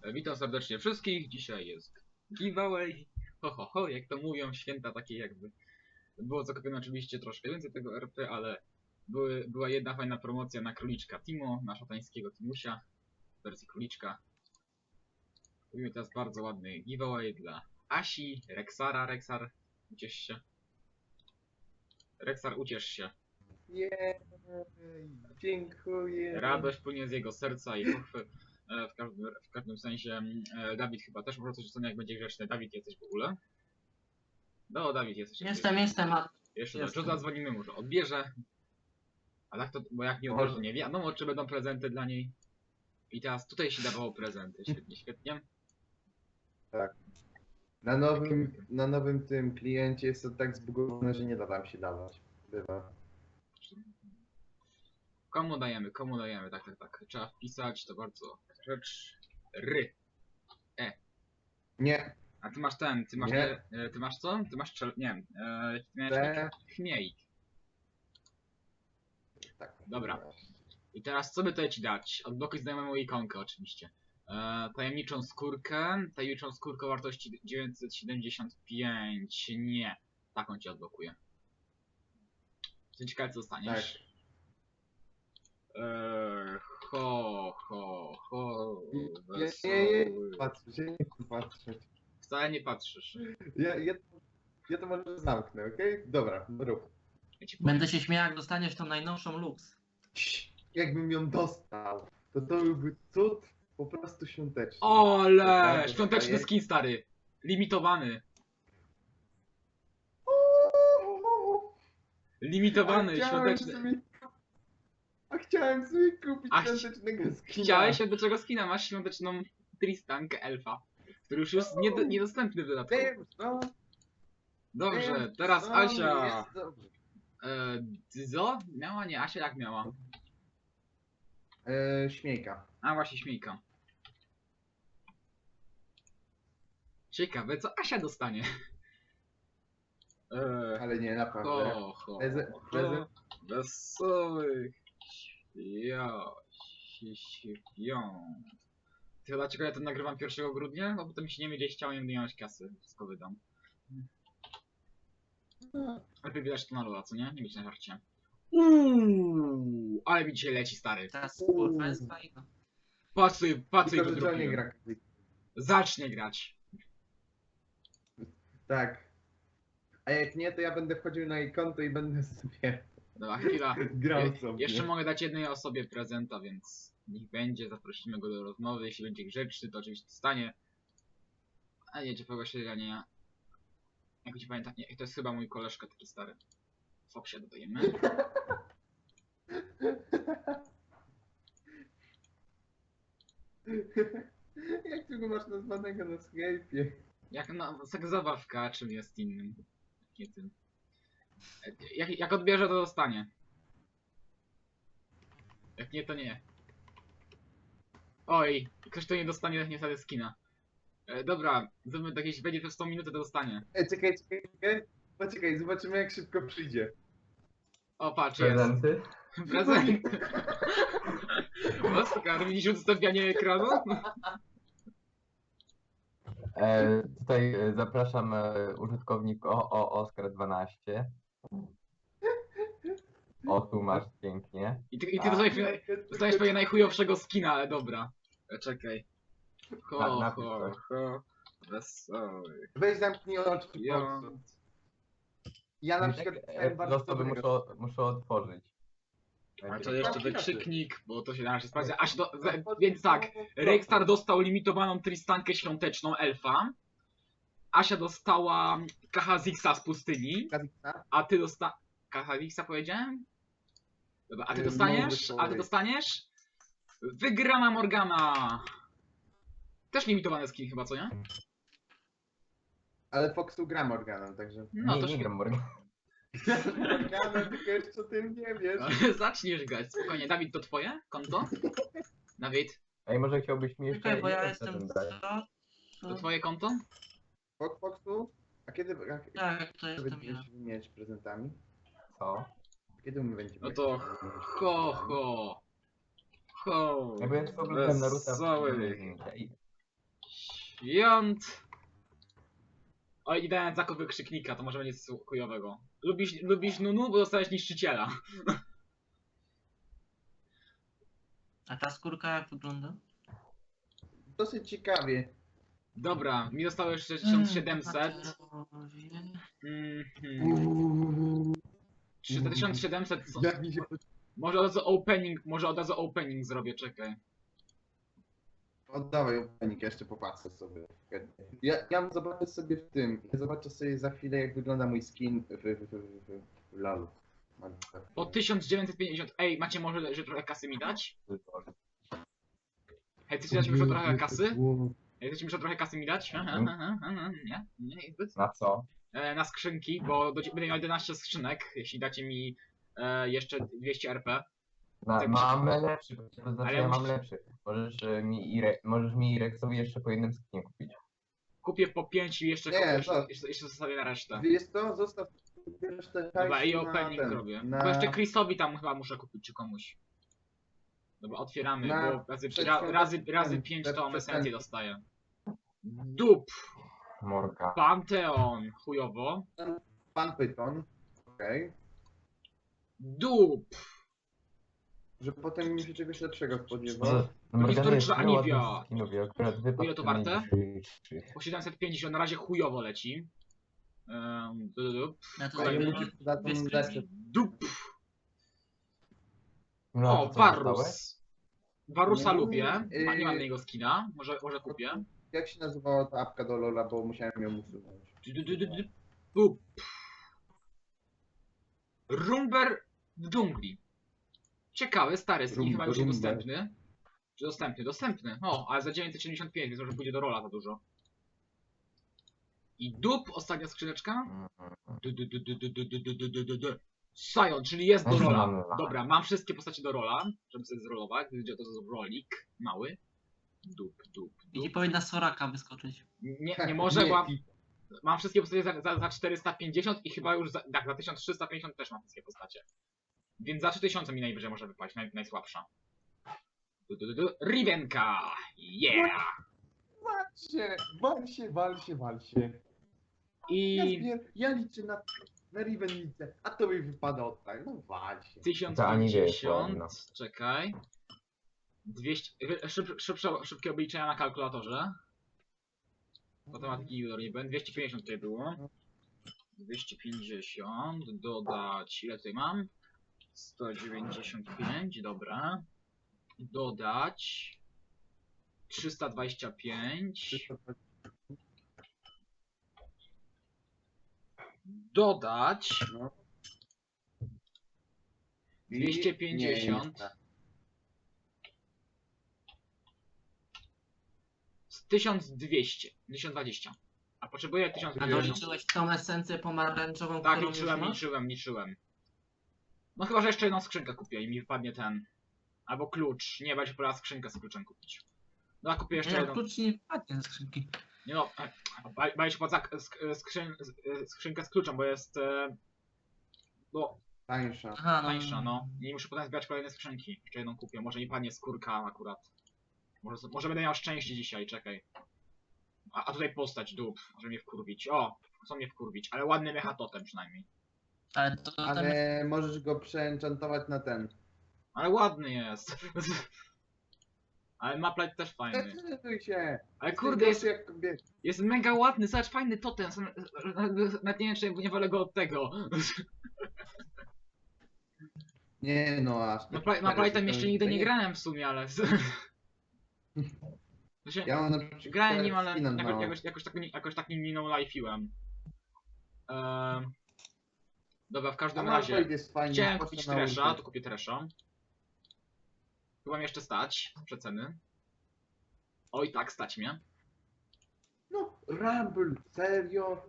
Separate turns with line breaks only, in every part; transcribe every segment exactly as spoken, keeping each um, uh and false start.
Witam serdecznie wszystkich. Dzisiaj jest giveaway. Ho, ho, ho, jak to mówią, święta takie jakby. Było zakupione oczywiście troszkę więcej tego R P, ale były, była jedna fajna promocja na króliczka Timo, na szatańskiego Timusia w wersji króliczka. Robimy teraz bardzo ładny giveaway dla Asi, Rexara. Rexar, uciesz się. Rexar, uciesz się.
Jej, dziękuję.
Radość płynie z jego serca i pochwy. W każdym, w każdym sensie e, Dawid chyba też może coś rzucony, jak będzie grzeczny. Dawid, jesteś w ogóle? No, Dawid, jesteś.
Jestem, jestem. A...
Jeszcze
jestem.
dobrze, zadzwonimy, może odbierze. A tak to, bo jak nie odbierze, to nie wiadomo, czy będą prezenty dla niej. I teraz tutaj się dawało prezenty. Świetnie, świetnie.
Tak. Na nowym, na nowym tym kliencie jest to tak zbugowane, że nie da nam się dawać. Bywa.
Komu dajemy, komu dajemy, tak, tak, tak. Trzeba wpisać, to bardzo rzecz. Ry. E.
Nie.
A ty masz ten, ty masz,
Nie.
e, ty masz co? Ty masz czel, nie wiem, e, ty miałeś
Te.
chmiejk.
Tak.
Dobra. I teraz co by tutaj ci dać? Odblokuj znajomą ikonkę oczywiście. E, tajemniczą skórkę. Tajemniczą skórkę o wartości dziewięćset siedemdziesiąt pięć. Nie. Taką ci odblokuję. Jestem ciekawy, co dostaniesz.
Tak.
Eee, ho, ho, ho.
Nie, nie,
Wesoły.
nie, patrzeć, ja nie chcę patrzeć.
Wcale nie patrzysz.
Ja, ja, ja to może zamknę, okej? Dobra, rób.
Ja ci powiem.
Będę się śmiał, jak dostaniesz tą najnowszą Lux.
Cii, jakbym ją dostał, to to byłby cud po prostu świąteczny.
Ole!
Tak,
Świąteczny
dostaję.
skin, stary. Limitowany. Limitowany,
A chciałem
świąteczny.
sobie- A chciałem sobie kupić
A chci-
świątecznego skina.
Chciałeś od czego skina? Masz świąteczną Tristankę elfa, który już jest nied niedostępny w dodatku.
Wiem, no.
Dobrze,
wiem,
teraz
no,
Asia.
jest dobrze.
E, co? Miała? Nie, Asia jak miała?
E, śmiejka.
A właśnie, śmiejka. Ciekawe, co Asia dostanie. E,
Ale nie, naprawdę.
ho, ho,
Preze-
ho.
prezent.
Wesołych świąt. Ty chyba ciekawe, ja to nagrywam pierwszego grudnia? No potem się nie będzie chciało, nie będę mieć kasy. Wszystko wydam. Lepiej wydać to na lola, co nie? Nie być na żarcie. Uuuu, ale mi dzisiaj leci, stary.
Teraz
Uuu.
kurwa jest fajna.
Patrz sobie, patrz sobie,
Tylko,
go
że to nie
drugiego.
gra.
Zacznie grać.
Tak. A jak nie, to ja będę wchodził na jej konto i będę sobie
Dobra, chwila.
grał
Je,
sobie.
jeszcze mogę dać jednej osobie prezenta, więc niech będzie, zaprosimy go do rozmowy. Jeśli będzie grzeczny, to oczywiście stanie. A nie, ciepłego śledzenia. Jak ci pamiętam, nie, to jest chyba mój koleżka taki stary. Foksia dodajemy.
Jak ty go masz nazwanego na Skype'ie?
Jak no, tak zabawka, czym jest innym. Nie tym. E, Jak, jak odbierze, to dostanie. Jak nie, to nie. Oj, ktoś to nie dostanie niestety skina. E, dobra, zróbmy tak, jeśli będzie przez sto minut, to dostanie.
Ej, czekaj, czekaj, czekaj. Poczekaj, zobaczymy jak szybko przyjdzie.
O, patrz, jest.
Prezenty?
Prezent. Oskar, widzisz udostępnianie ekranu?
E, tutaj e, zapraszam e, użytkownik o, o Oskar dwanaście. O, tu masz pięknie.
I ty, i ty dostajesz, dostajesz pewnie najchujowszego skina, ale dobra. E, Czekaj.
Na-
Ho,
napisz
ho,
coś.
ho. Wesoły.
Weź zamknij oczy.
Ja.
Foxu. Ja na przykład
E,
dostałem bardzo
Zostawy
dobrego.
muszę, muszę otworzyć.
A to jeszcze
Zamknij
wykrzyknik, bo to się na razie sprawdza. Aż do, za, więc tak, Rexstar dostał limitowaną Tristankę świąteczną elfa. Asia dostała Kahazixa z pustyni.
Kazixa?
A ty dosta... Kahazixa powiedziałem? Dobra, a ty
Yy,
dostaniesz?
nowy
A ty
człowiek.
dostaniesz? Wygrana Morgana! Też limitowany skin chyba, co nie?
Ale Foxu gra Morganem, także...
No
nie,
to
nie
świetnie.
gram Morgan.
Morganem, tylko jeszcze o tym nie wiesz.
Ale zaczniesz grać, spokojnie. Dawid, to twoje konto? Dawid,
Ej, może chciałbyś mi jeszcze
Czekaj, bo ja
jeden
jestem
prezent dać?
co?
to twoje konto?
Fox, Foxu? A kiedy, a,
Tak, to
kiedy
jestem ja.
będziesz wymieniać prezentami?
Co?
Kiedy my będziemy...
No to ho, ho. Ho.
Ja byłem tylko oglądałem Naruto.
Wesoły.
Ej,
Świąt. Oj, i dałem zakup wykrzyknika, to może będzie coś chujowego. Lubisz, lubisz Nunu, bo dostałeś niszczyciela.
A ta skórka jak wygląda?
Dosyć ciekawie.
Dobra, mi zostało jeszcze tysiąc siedemset.
Bohaterowie.
Mhm. tysiąc siedemset. co-
Jak mi się
Może od razu opening, może od razu opening zrobię, czekaj.
Oddawaj opening, ja jeszcze popatrzę sobie. Ja, ja zobaczę sobie w tym. Ja zobaczę sobie za chwilę, jak wygląda mój skin w, w, w, w, w lalu.
Po tysiąc dziewięćset pięćdziesiąt. Ej, macie może że trochę kasy mi dać? Hej, chcecie dać mi może trochę kasy? Ej, chcecie mi może trochę kasy mi dać? Nie? Nie, zbyt.
Na co?
E, na skrzynki, bo do, będę miał jedenaście skrzynek, jeśli dacie mi e, jeszcze dwieście R P.
Na,
Tak,
mam lepszy, to znaczy
Ale
ja mam
musisz-
lepszy. Możesz e, mi Ire, możesz mi Irexowi jeszcze po jednym skinie kupić.
Kupię po pięć i jeszcze,
Nie,
kupię, jeszcze,
to-
jeszcze, jeszcze zostawię na resztę.
Wiesz co, zostaw resztę
Dobra, i
hajsu na
opening
ten,
robię.
na-
Bo jeszcze Chrisowi tam chyba muszę kupić, czy komuś. Dobra, otwieramy,
Na
bo razy, ra,
przedświąteczny
razy, razy
ten,
pięć
ten
to
prezent.
esencję dostaję. Dup!
Morka.
Panteon! Chujowo.
Pan Python. Okej.
Dup!
Że potem mi się czegoś lepszego spodziewał.
No, Morgana jest
historyczna
tyle ładnych
Anivia.
skinów i akurat wypadł
Ile to
ten
warte?
najwyższy.
Po siedemset pięćdziesiąt na razie chujowo leci. Um, dup.
Ja to
Kolejny.
zrobię
Za tą
dwie
lepsze.
skrzynki.
Dup!
No,
O,
to co dostałeś?
Varus. Varusa
No,
lubię.
yy,
Ma, nie mam jego skina. Może, może kupię.
Jak się nazywała ta apka do Lola, bo musiałem ją usunąć.
Du- du- du- du- du- Dup. Rumber w dżungli. Ciekawy, stary skin,
Rum-
chyba już
Rumber.
dostępny. Czy dostępny? Dostępny. O, ale za dziewięćset siedemdziesiąt pięć, więc może pójdzie do rola za dużo. I dup, ostatnia skrzyneczka.
Mhm.
Du, du, du, du, du, du, du, du, du, du, du. Sion, czyli jest do
Też
rola.
mam rola.
Dobra, mam wszystkie postacie do rola, żeby sobie zrolować. Będzie to rolik mały. Dup, dup,
I ci
dup.
powinna Soraka wyskoczyć.
Nie, nie może, bo
i-
mam wszystkie postacie za, za, za czterysta pięćdziesiąt i chyba już za, tak, za tysiąc trzysta pięćdziesiąt też mam wszystkie postacie. Więc za trzy tysiące mi najwyżej może wypaść, naj, najsłabsza. Du, du, du, du. Rivenka! Yeah!
Wal się, wal się, wal się, wal się. Ja,
I
zbier... ja liczę na, na Riven liczę, a to mi wypada od tak, no wal się.
tysiąc
Ta Aniwie jest
pięćdziesiąt,
ładna.
czekaj. dwieście, wy- szyb, szybsze, szybkie obliczenia na kalkulatorze. Matematyki junior nie będę. dwieście pięćdziesiąt tutaj było. dwieście pięćdziesiąt, dodać, ile tutaj mam? sto dziewięćdziesiąt pięć, dobra. Dodać trzysta dwadzieścia pięć. Dodać
No. I-
dwieście
nie,
pięćdziesiąt.
nie,
z tysiąc dwieście, tysiąc dwadzieścia. A potrzebuję tysiąc
A
pięćdziesiąt.
doliczyłeś tą esencję pomarańczową,
Tak,
którą już
liczyłem,
masz?
liczyłem, liczyłem. No chyba, że jeszcze jedną skrzynkę kupię i mi wypadnie ten. Albo klucz. Nie, będzie pora skrzynkę z kluczem kupić. No a kupię jeszcze
Nie,
jedną.
klucz nie wpadnie ze skrzynki.
Nie no, baj się płaca sk- skrzyn, z- skrzynkę z kluczem, bo jest e, no,
tańsza.
Aha, no.
tańsza, no. Nie muszę potem zbierać kolejne skrzynki. Jeszcze jedną kupię. Może mi padnie skórka akurat. Może, może będę miał szczęście dzisiaj, czekaj. A, a tutaj postać, dup, żeby mnie wkurwić. O, chcą mnie wkurwić, ale ładny mecha totem przynajmniej.
Ale to, to tam jest...
Ale możesz go przeenchantować na ten.
Ale ładny jest. Ale Maplight też fajny.
Zdecyduj się!
Ale kurde, jest,
jak kobieta.
jest mega ładny, zobacz, fajny totem. Sam- Nawet nie wiem, czy nie wolę go od tego.
Nie no, aż. tak
Mapli- Maplightem jeszcze nigdy nie grałem w sumie, ale... To się-
Ja mam na przykład
Grałem nim, ale
skina
jakoś,
na-
jakoś, jakoś, tak, nie- jakoś tak nim nie no-life'iłem. Ehm, dobra, w
A
każdym
Malphite
razie
jest fajny,
chciałem
proszę
kupić
na
Tresha,
ulicę.
to kupię Tresha. Chyba mnie jeszcze stać, przeceny. Oj tak, stać mnie.
No, Rumble, serio?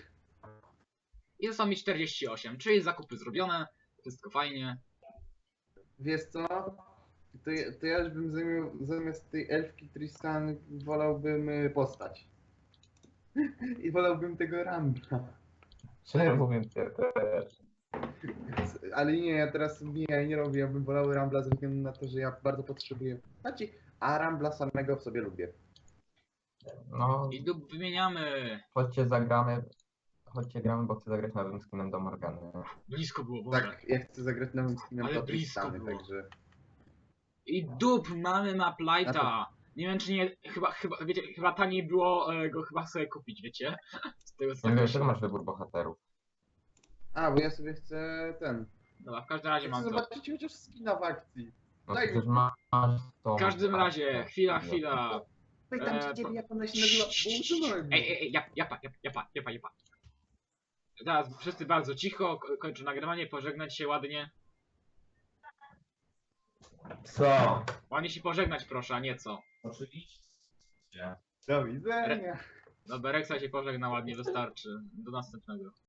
I zostało mi czterdzieści osiem, czyli zakupy zrobione, wszystko fajnie.
Wiesz co? To, ja- to ja już bym zamiast, zamiast tej elfki Tristan wolałbym y, postać. I wolałbym tego Rambla.
Szczerze mówiąc, ja też.
Ale nie, ja teraz nie, ja nie robię, ja bym wolał Rambla ze względu na to, że ja bardzo potrzebuję postaci, a Rambla samego w sobie lubię.
No,
I dup wymieniamy.
chodźcie zagramy, chodźcie gramy, bo chcę zagrać nowym skinem do Morgany.
Blisko było, Boże.
Tak, ja chcę zagrać nowym skinem
Ale
do
blisko
Tristany,
było.
także...
I dup, mamy map
Na
lighta. Nie wiem czy nie, chyba, chyba, wiecie, chyba taniej było e, go chyba sobie kupić, wiecie? Z tego co
Nie
tak
wiem, czego
wyszło.
masz wybór bohaterów.
A, bo ja sobie chcę ten...
Dobra, w każdym razie
Chcę
mam to.
zobaczyć chociaż skina w akcji.
No
Daj
przecież
mi-
masz to.
W każdym razie, chwila, chwila.
Pytam
Eee,
się ciebie,
po-
jak ona się nazywa, bo usunąłem
Ej,
ją.
ej, ej, japa, japa, japa, japa, japa. Teraz wszyscy bardzo cicho, ko- kończę nagrywanie, pożegnać się ładnie.
Co?
Ładnie się pożegnać proszę, a nie co.
Oczywiście.
Do widzenia.
No Bereksa się pożegna ładnie, wystarczy. Do następnego.